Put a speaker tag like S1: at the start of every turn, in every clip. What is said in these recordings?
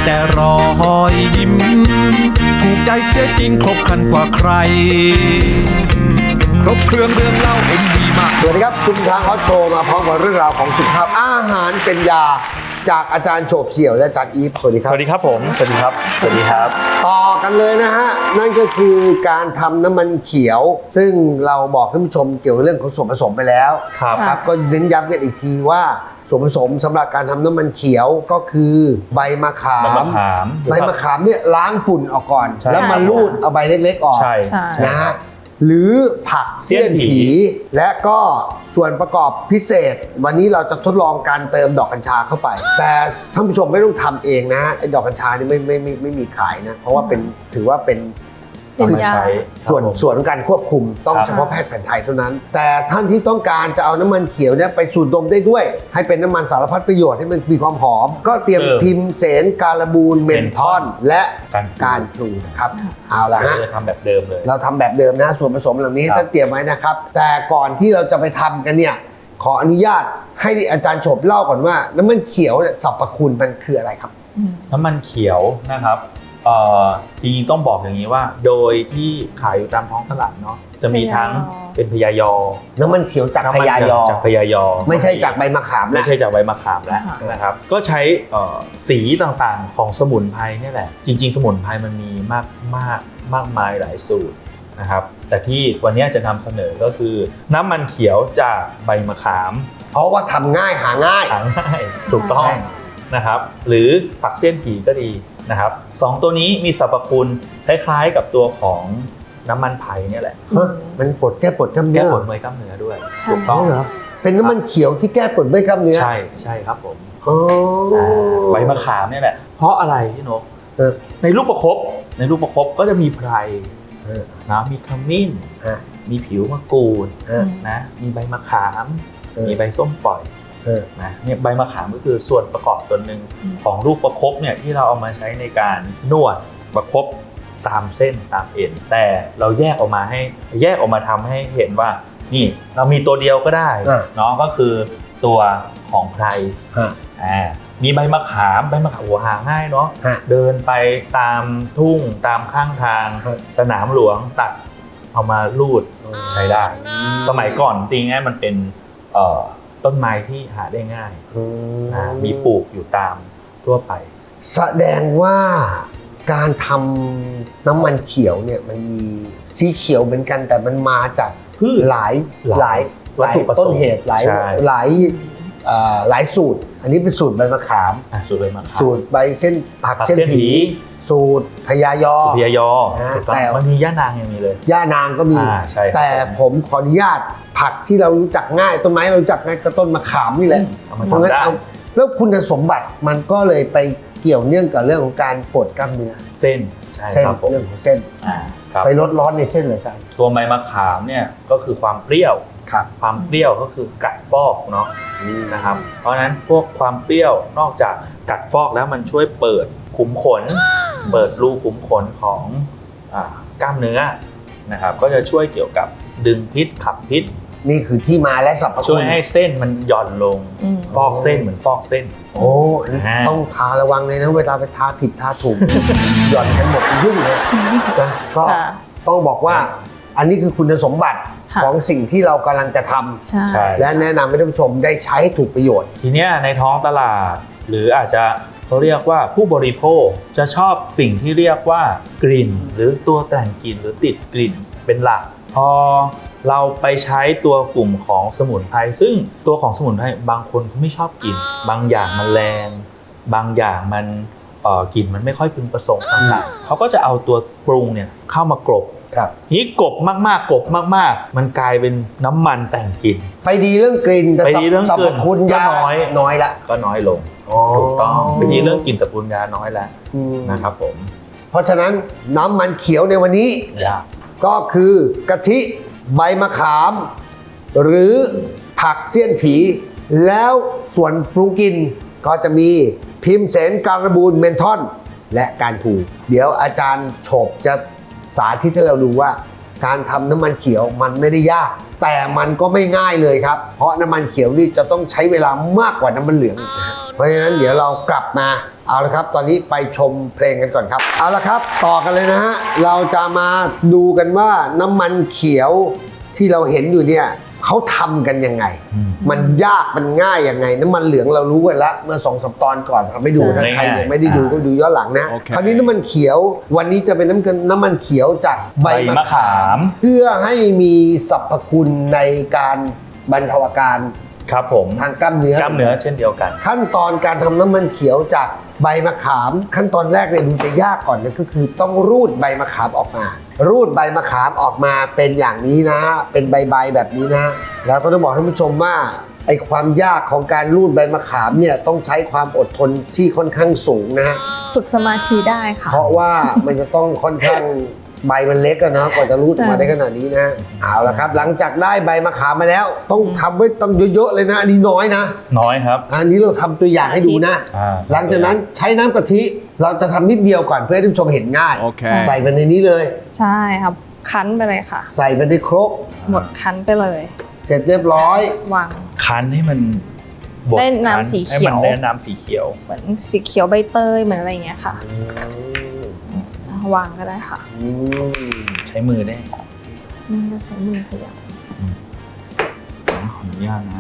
S1: แต่รอยยิ้มถูกใจเสียจริงครบครันกว่าใครครบเครื่องเรื่องเล่าเอ็มดีมาก
S2: สวัสดีครับชุมทางฮอตโชว์มาพร้อมกับเรื่องราวของสุขภาพอาหารเป็นยาจากอาจารย์โฉบเฉี่ยวและอาจารย์อีฟสวัสดีครับ
S3: สวัสดีครับผมสวัสดีครับสวัสดีครับ
S2: ต่อกันเลยนะฮะนั่นก็คือการทำน้ำมันเขียว ซึ่งเราบอกท่านผู้ชมเกี่ยวกับเรื่องของส่วนผสมไปแล้ว
S3: ครับ
S2: ก็เน้นย้ำกันอีกทีว่าส่วนผสมสำหรับการทำน้ำมันเขียวก็คือใบมะขาม ใบมะขามเนี่ยล้างฝุ่นออกก่อน
S3: ใช่
S2: แล้วมาลูดเอาใบเล็กๆออก
S3: ใช่
S2: นะฮะหรือผักเสี้ยนผีและก็ส่วนประกอบพิเศษ วันนี้เราจะทดลองการเติมดอกกัญชาเข้าไป แต่ท่านผู้ชมไม่ต้องทำเองนะไอ้ดอกกัญชานี่ไม่มีขายนะเพราะว่าเป็นถือว่าเป็น
S3: เอามาใช้
S2: ส่วนของการควบคุมต้อง
S3: ครับ
S2: เฉพาะแพทย์แผนไทยเท่านั้น แต่ท่านที่ต้องการจะเอาน้ำมันเขียวเนี่ยไปสูดดมได้ด้วย ให้เป็นน้ำมันสารพัดประโยชน์ให้มันมีความหอม ก็เตรียมพิมพ์เสนการบูนเมนทอนและการพลูนะครับเอาละฮะ
S3: เราจะทำแบบเดิมเลย
S2: เราทำแบบเดิมนะส่วนผสมเหล่านี้
S3: ครับ
S2: ท่านเตรียมไว้นะครับ แต่ก่อนที่เราจะไปทำกันเนี่ยขออนุญาตให้อาจารย์โฉบเล่าก่อนว่าน้ำมันเขียวเนี่ยสรรพคุณมันคืออะไรครับ
S3: น้ำมันเขียวนะครับจริงๆต้องบอกอย่างนี้ว่า โดยที่ขายอยู่ตามท้องตลาดเนาะจะมีทั้งเป็นพยายอ
S2: น้ำมันเขียวจากพยายอ
S3: จากพยายอ
S2: ไม่ใช่จากใบมะขามนะ
S3: ไม่ใช่จากใบมะขามแล้วนะครับก็ใช้สีต่างๆของสมุนไพรนี่แหละจริงๆสมุนไพรมันมีมากมายหลายสูตรนะครับแต่ที่วันนี้จะนำเสนอก็คือน้ำมันเขียวจากใบมะขาม
S2: เพราะว่าทำง่ายหาง่าย
S3: หาง่ายถูกต้องนะครับหรือผักเสี้ยนผีก็ดีนะครับสองตัวนี้มีสรรพคุณคล้ายๆกับตัวของน้ำมันไผ่เนี่ยแหละ
S2: มันแก้ปวดกล้ามเนื้
S3: แก้
S2: อ
S3: ปวดเมื่อยกล้ามเนื้อด้วย
S4: ใช่
S3: ถูกต้อง
S2: เหรอเป็นน้ำมันเขียวที่แก้ปวดเมื่อยกล้ามเนื้อ
S3: ใช่ครับผม
S2: อ๋อ
S3: ใบมะขามเนี่ยแหละเพราะอะไรพี่นก
S2: เออ
S3: ในลูกประคบก็จะมีไพร
S2: เออ
S3: นะมีขมิ้น
S2: ฮะ
S3: มีผิวมะกรูด
S2: เออ
S3: นะมีใบมะขาม
S2: เออ
S3: มีใบส้มปล่อย
S2: เออ
S3: นะเนี่ยใบมะขามก็คือส่วนประกอบส่วนหนึ่งของลูกประคบเนี่ยที่เราเอามาใช้ในการนวดประคบตามเส้นตามเอ็นแต่เราแยกออกมาทำให้เห็นว่านี่เรามีตัวเดียวก็ได้เนาะก็คือตัวของไพร
S2: ฮะ
S3: มีใบมะขามหัวหาง่ายเนาะ
S2: ฮะ
S3: เดินไปตามทุ่งตามข้างทาง
S2: ฮะ
S3: สนามหลวงตัดเอามาลูดใช้ได้ สมัยก่อนจริงๆมันเป็นต้นไม้ที่หาได้ง่ายมีปลูกอยู่ตามทั่วไป
S2: แสดงว่าการทำน้ำมันเขียวเนี่ยมันมีสีเขียวเหมือนกันแต่มันมาจาก
S3: พืช
S2: หลาย
S3: วัตถุประสงค์
S2: ต้นเหตุหลาย
S3: ใช่
S2: หลายสูตร อันนี้เป็นสูตรใบมะขาม
S3: สูตรใบมะขาม
S2: สูตรใบเส้นผัก
S3: ผัก
S2: เส้น
S3: เส้นผี
S2: ผี สูตรพญายอ
S3: พยายอ
S2: นะ
S3: ถูกต้อง
S2: แต่
S3: บางทีย่านางยังมีเลย
S2: ย่านางก็มี
S3: ใช่ครับ
S2: แต่ผมขออนุญาตผักที่เรารู้จักง่ายต้นไม้เรารู้จักง่ายก็ต้นมะขามนี่แหละ
S3: เอามา
S2: เพราะงั้น
S3: ทำได้
S2: เอาแล้วคุณสมบัติมันก็เลยไปเกี่ยวเนื่องกับเรื่องของการปวดกล้ามเนื้อ
S3: เส้นใช่
S2: เส้น
S3: ครับผม
S2: เรื่องของเส้น
S3: ครับ
S2: ไปลดร้อนในเส้นเหรออาจารย์
S3: ตัวใบมะขามเนี่ยก็คือความเปรี้ยว
S2: ครับ
S3: ความเปรี้ยวก็คือกัดฟอกเนาะนะครับเพราะฉะนั้นพวกความเปรี้ยวนอกจากกัดฟอกแล้วมันช่วยเปิดขุมขน เปิดรูขุมขนของกล้ามเนื้อนะครับก็จะช่วยเกี่ยวกับดึงพิษขับพิษ
S2: นี่คือที่มาและสรรพ
S3: ช่
S2: คุ
S3: วย
S2: ณ
S3: ให้เส้นมันหย่อนลงฟอกเส้นเหมือนฟอกเส้น
S2: โอ้อันนี้ต้องทาระวังเลยนะเวลาไปทาผิดทาถูก หย่อนกันหมดยุ่งเลยนะก็ต้องบอกว่าอันนี้คือคุณสมบัติของสิ่งที่เรากำลังจะทำ
S4: ใช่
S3: ใช่
S2: และแนะนำให้ท่านผู้ชมได้ใช้ให้ถูกประโยชน์
S3: ทีเนี้ยในท้องตลาดหรืออาจจะเขาเรียกว่าผู้บริโภคจะชอบสิ่งที่เรียกว่ากลิ่น หรือตัวแต่งกลิ่นหรือติดกลิ่นเป็นหลักพอเราไปใช้ตัวกลุ่มของสมุนไพรซึ่งตัวของสมุนไพรบางคนเขาไม่ชอบกลิ่นบางอย่างมันแรงบางอย่างมันกลิ่นมันไม่ค่อยพึงประสงค์ต่างๆเขาก็จะเอาตัวปรุงเนี่ยเข้ามากลบ
S2: ครับ
S3: นี้กบมากๆมันกลายเป็นน้ำมันแต่งกลิ่น
S2: ไปดีเรื่องกลิ่นแต่
S3: ไปดีเรื่อง
S2: สรร
S3: กลิ่
S2: พ
S3: น
S2: คุณ
S3: ก็
S2: ยา น้อยละ
S3: ก็น้อยลงถูกต้องไปดีเรื่องกลิ่นสรรพคุณยาน้อยแล้วนะครับผม
S2: เพราะฉะนั้นน้ำมันเขียวในวันนี้
S3: ยาก
S2: ก็คือกะทิใบมะขาม หรือผักเสี้ยนผี แล้วส่วนปรุงกินก็จะมีพิมพ์เสนการบูนเมนทอนและการผูเดี๋ยวอาจารย์โฉบจะสาธิตให้เราดูว่า การทำน้ำมันเขียวมันไม่ได้ยาก แต่มันก็ไม่ง่ายเลยครับ เพราะน้ำมันเขียวนี่จะต้องใช้เวลามากกว่าน้ำมันเหลืองอีกนะฮะเพราะฉะนั้นเดี๋ยวเรากลับมาเอาละครับตอนนี้ไปชมเพลงกันก่อนครับเอาละครับต่อกันเลยนะฮะเราจะมาดูกันว่าน้ำมันเขียวที่เราเห็นอยู่เนี่ยเขาทำกันยังไง มันยากมันง่ายยังไงน้ำมันเหลืองเรารู้กันละเมื่อ2-3 ตอนก่อนทำให้ดูนะใครยังไม่ได้ดูก็ดูย้อนหลังนะคราวนี้น้ำมันเขียววันนี้จะเป็นน้ำมันเขียวจากใบมะขามเพื่อให้มีสรรพคุณในการบรรเทาอาการ
S3: ครับผม
S2: ทางกล้ามเนื้อ
S3: เช่นเดียวกัน
S2: ขั้นตอนการทำน้ำมันเขียวจากใบมะขามขั้นตอนแรกเนี่ยดูจะยากก่อนนะก็คือต้องรูดใบมะขามออกมา รูดใบมะขามออกมาเป็นอย่างนี้นะฮะเป็นใบแบบนี้นะแล้วก็ต้องบอกท่านผู้ชมว่าไอ้ความยากของการรูดใบมะขามเนี่ยต้องใช้ความอดทนที่ค่อนข้างสูงนะฮะ
S4: ฝึกสมาธิได้ค่ะ
S2: เพราะว่ามันจะต้องค่อนข้างใบมันเล็กอะนะกว่าจะรูดออกมาได้ขนาดนี้นะเอาละครับหลังจากได้ใบมะขามมาแล้วต้องทำไว้ต้องเยอะๆเลยนะอันนี้น้อยนะ
S3: น้อยครับ
S2: อันนี้เราทำตัวอย่างให้ดูนะหลังจากนั้นใช้น้ำกะทิเราจะทำนิดเดียวก่อนเพื่อให้ท่านผู้ชมเห็นง่ายใส่ไปในนี้เลย
S4: ใช่ครับคั้นไปเลยค่ะ
S2: ใส่ไปในครก
S4: หมดคั้นไปเลย
S2: เสร็จเรียบร้อยว
S4: าง
S3: คั้นให้มันบด
S4: ได้น้ำสีเขียว
S3: ให้มันได้น้ำสีเขียว
S4: เหมือนสีเขียวใบเตยเหมือนอะไรอย่างเงี้ยค่ะวางก็ได้ค่ะ
S3: ใช้มือได้
S4: นี่ก็ใช้มือขยับ
S3: ขออนุญาตนะ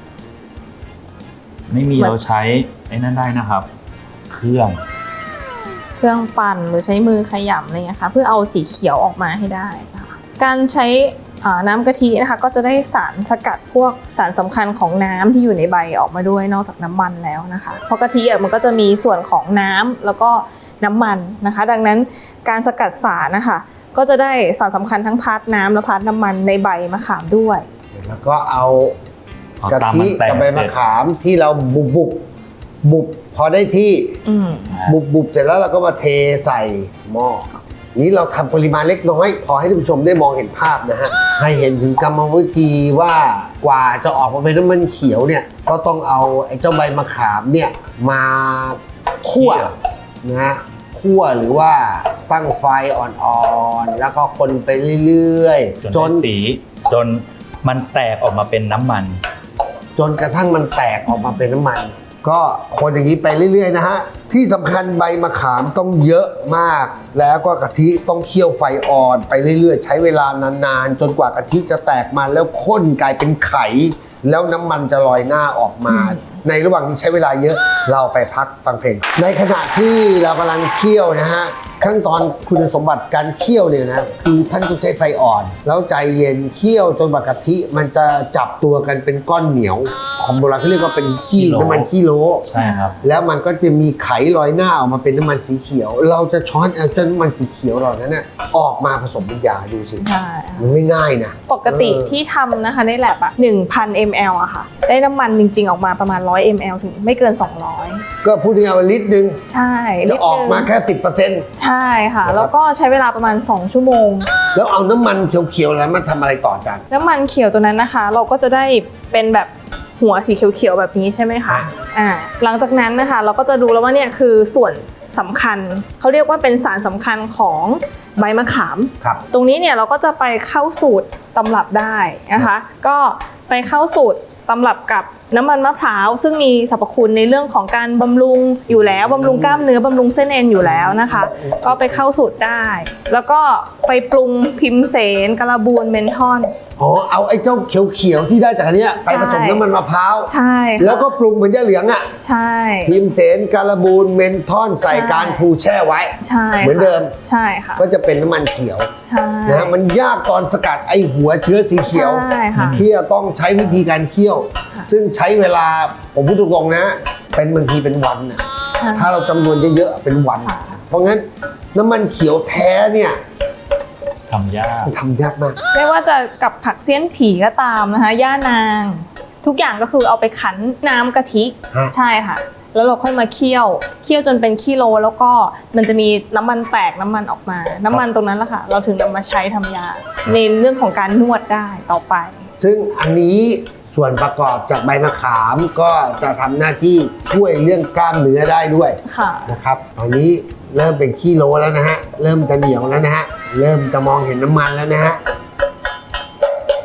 S3: ไม่มีเราใช้ไอ้นั่นได้นะครับ เครื่อง
S4: ปั่นหรือใช้มือขยำอะไรเงี้ยค่ะเพื่อเอาสีเขียวออกมาให้ได้นะคะการใช้น้ำกะทินะคะก็จะได้สารสกัดพวกสารสำคัญของน้ำที่อยู่ในใบออกมาด้วยนอกจากน้ำมันแล้วนะคะเพราะกะทิมันก็จะมีส่วนของน้ำแล้วก็น้ำมันนะคะดังนั้นการสกัดสารนะคะก็จะได้สารสำคัญทั้งพาร์ทน้ำและพาร์ทน้ำมันในใบมะขามด้วย
S2: แล้วก็เอากะทิกับใบมะขามที่เราบุบพอได้ที่บุบเสร็จแล้วเราก็มาเทใส่หม้อนี้เราทำปริมาณเล็กน้อยพอให้ท่านผู้ชมได้มองเห็นภาพนะฮะให้เห็นถึงกรรมวิธีว่ากว่าจะออกมาเป็นน้ำมันเขียวเนี่ยก็ต้องเอาไอ้เจ้าใบมะขามเนี่ยมาคั่วนะฮะคั่วหรือว่าตั้งไฟอ่อนๆแล้วก็คนไปเรื่อยๆ
S3: จนสีจนมันแตกออกมาเป็นน้ำมัน
S2: จนกระทั่งมันแตกออกมาเป็นน้ำมันก็คนอย่างนี้ไปเรื่อยๆนะฮะที่สำคัญใบมะขามต้องเยอะมากแล้วก็กะทิต้องเคี่ยวไฟอ่อนไปเรื่อยๆใช้เวลานานๆจนกว่ากะทิจะแตกมันแล้วข้นกลายเป็นไข่แล้วน้ำมันจะลอยหน้าออกมาในระหว่างที่ใช้เวลาเยอะเราไปพักฟังเพลงในขณะที่เรากำลังเคี่ยวนะฮะขั้นตอนคุณสมบัติการเคี่ยวเนี่ยนะคือท่านต้องใช้ไฟอ่อนแล้วใจเย็นเคี่ยวจนกะทิมันจะจับตัวกันเป็นก้อนเหนียวของโบราณเขาเรียกว่าเป็นน้ำมันขี้โล
S3: ใช่ครับ
S2: แล้วมันก็จะมีไขลอยหน้าออกมาเป็นน้ำมันสีเขียวเราจะช้อนเอาน้ำมันสีเขียวเหล่านั้นเนี่ยออกมาผสมเป็นยาดูสิมันไม่ง่ายนะ
S4: ปกติที่ทำนะคะในแลบ1,000 ml อะค่ะได้น้ำมันจริงๆออกมาประมาณ100 ml ถึงไม่เกิน200
S2: ก็พูดง่ายๆว่าลิตรนึง
S4: ใช่
S2: จะออกมาแค่ 10%
S4: ใช่ค่ะแล้วก็ใช้เวลาประมาณ2 ชั่วโมง
S2: แล้วเอาน้ำมันเขียวๆแล้วมาทำอะไรต่อจัน
S4: น้ำมันเขียวตัวนั้นนะคะเราก็จะได้เป็นแบบหัวสีเขียวๆแบบนี้ใช่ไหมคะหลังจากนั้นนะคะเราก็จะดูแล้วว่าเนี่ยคือส่วนสำคัญเขาเรียกว่าเป็นสารสำคัญของใบมะขามตรงนี้เนี่ยเราก็จะไปเข้าสูตรตำรับได้นะคะก็ไปเข้าสูตรตำรับกับน้ำมันมะพร้าวซึ่งมีสรรพคุณในเรื่องของการบำรุงอยู่แล้วบำรุงกล้ามเนื้อบำรุงเส้นเอ็นอยู่แล้วนะคะก็ไปเข้าสูตรได้แล้วก็ไปปรุงพิมเสนการบูนเมนทอน
S2: เอาไอ้เจ้าเขียวๆที่ได้จากอันนี้ไปผสมน้ำมันมะพร้าว
S4: ใช่
S2: แล้วก็ปรุงเหมือนยาเหลืองอ่ะ
S4: ใช่
S2: พิมเสนการบูนเมนทอนใส่การพูแช่ไว้
S4: ใช่
S2: เหมือนเดิม
S4: ใช่ค่ะ
S2: ก็จะเป็นน้ำมันเขียว
S4: ใช่
S2: นะมันยากตอนสกัดไอ้หัวเชื้อสีเขียวที่จะต้องใช้วิธีการเคี่ยวซึ่งใช้เวลาผมพูดตรงๆนะเป็นบางทีเป็นวันนะถ้าเราจำนวนเยอะๆเป็นวันเพราะงั้นน้ำมันเขียวแท้เนี่ย
S3: ทำย
S2: ากมาก
S4: ไม่ว่าจะกับผักเสี้ยนผีก็ตามนะคะย่านางทุกอย่างก็คือเอาไปคั้นน้ำกะทิใช่ค่ะแล้วเราค่อยมาเคี่ยวจนเป็นกิโลแล้วก็มันจะมีน้ำมันแตกน้ำมันออกมาน้ำมันตรงนั้นแหละค่ะเราถึงนำมาใช้ทำยาในเรื่องของการนวดได้ต่อไป
S2: ซึ่งอันนี้ส่วนประกอบจากใบมะขามก็จะทำหน้าที่ช่วยเรื่องกล้ามเนื้อได้ด้วยนะครับตอนนี้เริ่มเป็นขี้โลแล้วนะฮะเริ่มจะเหนียวแล้วนะฮะเริ่มจะมองเห็นน้ำมันแล้วนะฮะ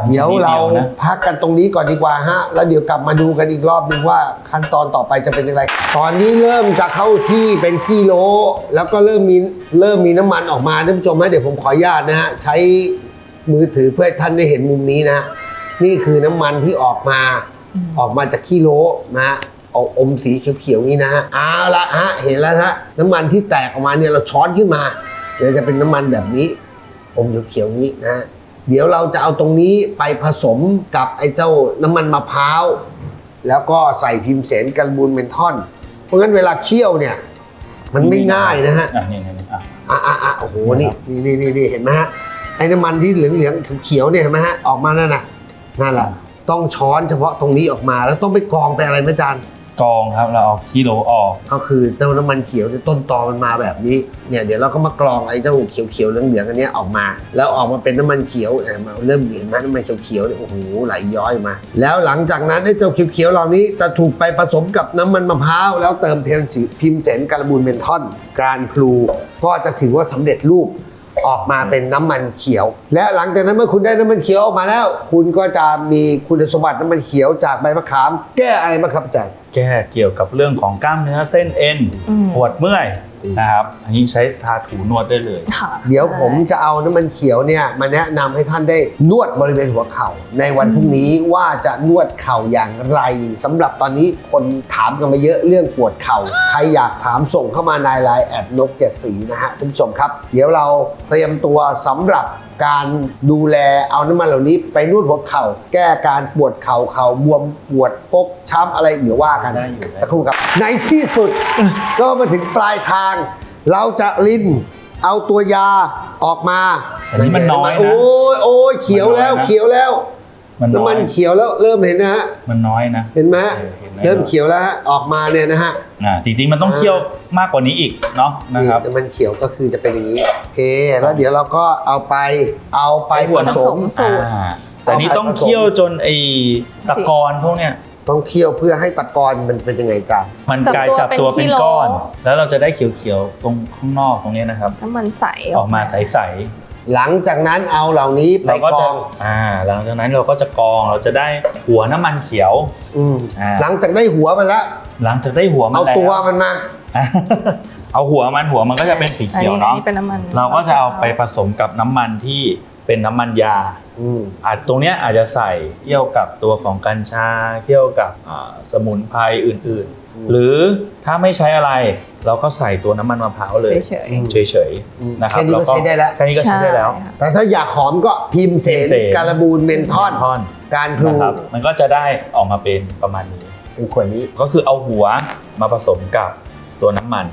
S2: เดี๋ยวเรา
S3: นะ
S2: พักกันตรงนี้ก่อนดีกว่าฮะแล้วเดี๋ยวกลับมาดูกันอีกรอบหนึงว่าขั้นตอนต่อไปจะเป็นอย่างไรตอนนี้เริ่มจะเข้าที่เป็นกิโลแล้วก็เริ่มมีน้ำมันออกมาท่านผู้ชมฮะเดี๋ยวผมขออนุญาตนะฮะใช้มือถือเพื่อให้ท่านได้เห็นมุมนี้นะฮะนี่คือน้ำมันที่ออกมาจากกิโลนะฮะออกอมสีเขียวๆนี้นะฮะเอาละฮะเห็นแล้วนะฮะน้ำมันที่แตกออกมาเนี่ยเราช้อนขึ้นมาเดี๋ยวจะเป็นน้ำมันแบบนี้อมเขียวๆนี้นะฮะเดี๋ยวเราจะเอาตรงนี้ไปผสมกับไอ้เจ้าน้ำมันมะพร้าวแล้วก็ใส่พิมเสนการบูนเมนทอนเพราะงั้นเวลาเคี่ยวเนี่ยมันไม่ง่ายนะฮะ
S3: นี่
S2: โอ้โหนี่เห็นไหมฮะไอ้น้ำมันที่เหลืองๆเขียวๆเนี่ยเห็นไหมฮะออกมานั่นแหละต้องช้อนเฉพาะตรงนี้ออกมาแล้วต้องไปกรองไปอะไรไหมอาจารย์
S3: กองครับเราเอากิโลออก
S2: ก็คือเจ้าน้ำมันเขียวเนี่ยต้นตอมันมาแบบนี้เนี่ยเดี๋ยวเราก็มากรองไอ้เจ้าเขียวๆเหลืองๆอันนี้ออกมาแล้วออกมาเป็นน้ำมันเขียวเริ่มเห็นไหมน้ำมันเขียวๆเนี่ยโอ้โหไหลย้อยมาแล้วหลังจากนั้นไอ้เจ้าเขียวๆเหล่านี้จะถูกไปผสมกับน้ำมันมะพร้าวแล้วเติมพิมเสนการบูนเมนทอนการพลูก็จะถือว่าสำเร็จรูปออกมาเป็นน้ำมันเขียวและหลังจากนั้นเมื่อคุณได้น้ำมันเขียวออกมาแล้วคุณก็จะมีคุณสมบัติน้ำมันเขียวจากใบมะขามแก้อะไรบ้างครับอาจารย์
S3: แก้เกี่ยวกับเรื่องของกล้ามเนื้อเส้นเอ็นปวดเมื่อยนะครับอันนี้ใช้ทาถูนวดได้เลย
S2: เดี๋ยวผมจะเอาน้ำมันเขียวเนี่ยมาแนะนำให้ท่านได้นวดบริเวณหัวเข่าในวันพรุ่งนี้ว่าจะนวดเข่าอย่างไรสำหรับตอนนี้คนถามกันมาเยอะเรื่องปวดเข่าใครอยากถามส่งเข้ามาในไลน์@nok7สีนะฮะท่านผู้ชมครับเดี๋ยวเราเตรียมตัวสำหรับการดูแลเอาน้ำมันเหล่านี้ไปนวดหัวเข่าแก้การปวดเข่าบวมปวดฟกช้ำอะไรเดี๋ยวว่ากันสักครู่ครับในที่สุดก็มาถึงปลายทางเราจะลิ้นเอาตัวยาออกมา
S3: อันนี้มันน้อยนะ
S2: โอ้ยเขียวแล้วน้ำมันเขียวแล้วเริ่มเห็นนะฮะ
S3: มันน้อยนะ
S2: เห็นไหมเริ่มเขียวแล้วออกมาเนี่ยนะฮะ
S3: จริงๆมันต้องเคี่ยวมากกว่านี้อีกเนาะนะครับ
S2: น้ำมันเขียวก็คือจะเป็นอย่างนี้โอเคแล้วเดี๋ยวเราก็เอาไปผสม
S3: แต่นี้ต้องเคี่ยวจนไอ้ตะกอนพวกเนี้ย
S2: ต้องเคี่ยวเพื่อให้ตะกอนมันเป็นยังไงจ๊ะ
S3: มันกลายจับตัวเป็นก้อนแล้วเราจะได้เขียวๆตรงข้างนอกตรงนี้นะครับ
S4: น้ำมันใส
S3: ออกมาใส
S2: หลังจากนั้นเอาเหล่านี้ไปกรอง
S3: หลังจากนั้นเราก็จะกรองเราจะได้หัวน้ำมันเขียว
S2: หลังจากได้หัวมันแล้ว
S3: หลังจากได้หัวมัน
S2: เอาตัวมันมา
S3: เอาหัวมันก็จะเป็นสีเขียวเนาะเราก็จะเอาไปผสมกับน้ำมันที่เป็นน้ำมันยาตรงเนี้ยอาจจะใส่เกี่ยวกับตัวของกัญชาเกี่ยวกับสมุนไพรอื่นๆหรือถ้าไม่ใช้อะไรเราก็ใส่ตัวน้ำมันมะพร้าวเลยเฉยๆนะครับ
S2: แค่นี้ก็ใช้ได้แล้ว
S3: แค่นี้ก็ใช้ได้แล้ว
S2: แต่ถ้าอยากหอมก็พิมเสนการบูนเมนทอนการพลู
S3: มันก็จะได้ออกมาเป็นประมาณนี้
S2: เป็นขวดนี้
S3: ก็คือเอาหัวมาผสมกับตัวน้ำมัน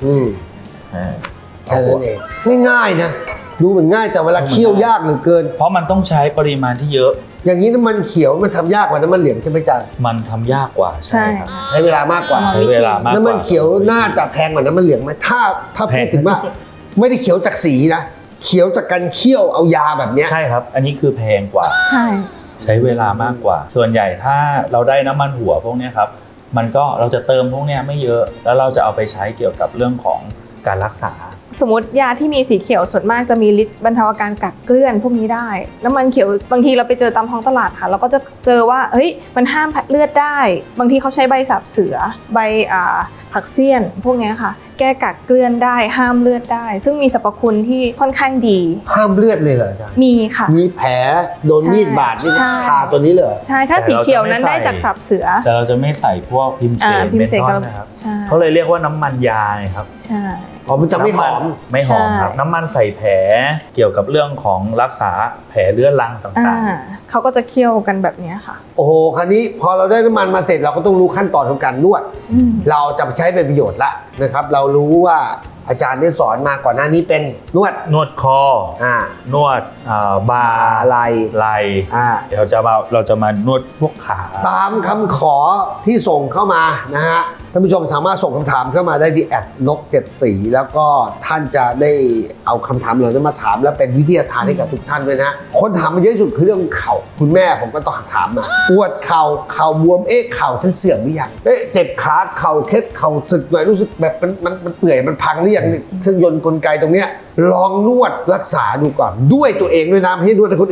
S2: แค่นั้นเองง่ายๆนะดูเหมือนง่ายแต่เวลาเคี่ยวยากเหลือเกิน
S3: เพราะมันต้องใช้ปริมาณที่เยอะ
S2: อย่างนี้น้ำมันเขียวมันทำยากกว่าน้ำมันเหลืองใช่ไหมจ๊ะ
S3: มันทำยากกว่า
S4: ใช่ครับ
S2: ใช้เวลามากกว่าน้ำมันเขียวน่าจะแพงกว่าน้ำมันเหลืองไหมถ้าพูดถึงว่าไม่ได้เขียวจากสีนะเขียวจากการเคี่ยวเอายาแบบนี้
S3: ใช่ครับอันนี้คือแพงกว่าใช้เวลามากกว่าส่วนใหญ่ถ้าเราได้น้ำมันหัวพวกนี้ครับมันก็เราจะเติมพวกนี้ไม่เยอะแล้วเราจะเอาไปใช้เกี่ยวกับเรื่องของการรักษา
S4: สมมติยาที่มีสีเขียวส่วนมากจะมีฤทธิ์บรรเทาอาการกัดเกลื่อนพวกนี้ได้น้ำมันเขียวบางทีเราไปเจอตามท้องตลาดค่ะเราก็จะเจอว่าเฮ้ยมันห้ามเลือดได้บางทีเขาใช้ใบสาบเสือใบผักเสี้ยนพวกนี้ค่ะแก้กัดเกลื่อนได้ห้ามเลือดได้ซึ่งมีสรรพคุณที่ค่อนข้างดี
S2: ห้ามเลือดเลยเหรอจ๊ะ
S4: มีค่ะ
S2: มีแผลโดนมีดบาดนี่ทาตัวนี้เลย
S4: ใช่ถ้าสีเขียวนั้นได้จากสาบเสือ
S3: แต่เราจะไม่ใส่พวกพิมเสนนะครับเขาเลยเรียกว่าน้ำมันยาครับ
S4: ใช่
S2: มันจะไม่หอม
S3: ครับน้ำมันใส่แผลเกี่ยวกับเรื่องของรักษาแผลเรื้อรังต่าง
S4: ๆเขาก็จะเคี่ยวกันแบบนี้ค่ะ
S2: โอ้โหคราวนี้พอเราได้น้ำมันมาเสร็จเราก็ต้องรู้ขั้นตอนของการนวดเราจะใช้เป็นประโยชน์ละนะครับเรารู้ว่าอาจารย์ได้สอนมาก่อนหน้านี้เป็นนวด
S3: คอนวดบ่า
S2: ไหล่
S3: เดี๋ยวเราจะมานวดพวกขา
S2: ตามคำขอที่ส่งเข้ามานะฮะท่านผู้ชมสามารถส่งคำถามเข้ามาได้ที่@nok7สีแล้วก็ท่านจะได้เอาคำถามเหล่านั้นมาถามแล้วเป็นวิทยาทานให้กับทุกท่านด้วยนะคนถามมาเยอะที่สุดคือเรื่องเข่าคุณแม่ผมก็ต้องถามมาปวดเข่าบวมเข่าฉันเสื่อมหรือยังเจ็บขาเข่าเคล็ดเข่าสึกหน่อยรู้สึกแบบมันเปื่อยมันพังหรือยังเครื่องยนต์กลไกตรงเนี้ยลองนวดรักษาดูก่อนด้วยตัวเองด้วยนะไม่ให้นวดให้คนอื่น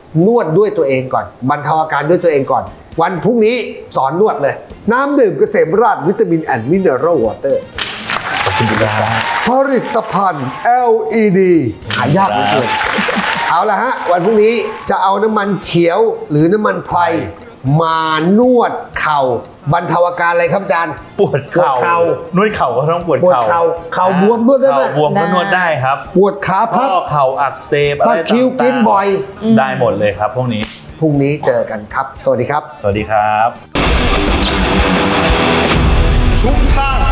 S2: นวดด้วยตัวเองก่อนบรรเทาอาการด้วยตัวเองก่อน วันพรุ่งนี้สอนนวดเลย น้ำดื่มเกษมราชวิตามินแอนด์มิเนอรัลวอเตอร์
S3: ขอบคุณครับ
S2: ผลิตภัณฑ์ LED หายากเหลือเกินเอาละฮะ วันพรุ่งนี้จะเอาน้ำมันเขียวหรือน้ำมันไพรมานวดเข่าบรรเทาอาการอะไรครับอาจารย์
S3: ปวดเข่า
S2: ปวดเข่า
S3: นวดเข่าก็ต้องปวด
S2: ปวด
S3: เข่า
S2: เข่าบวมนวดได้ไหม
S3: เข่าบวมก็นวดได้ครับ
S2: ปวดขาพั
S3: ข้
S2: บ
S3: อเข่าอักเสบอะไร
S2: ตะคริวกินบ่อย
S3: ได้หมดเลยครับพวกนี้
S2: พรุ่งนี้เจอกันครับ สวัสดีครับ
S3: สวัสดีครับ
S5: ชุมทาง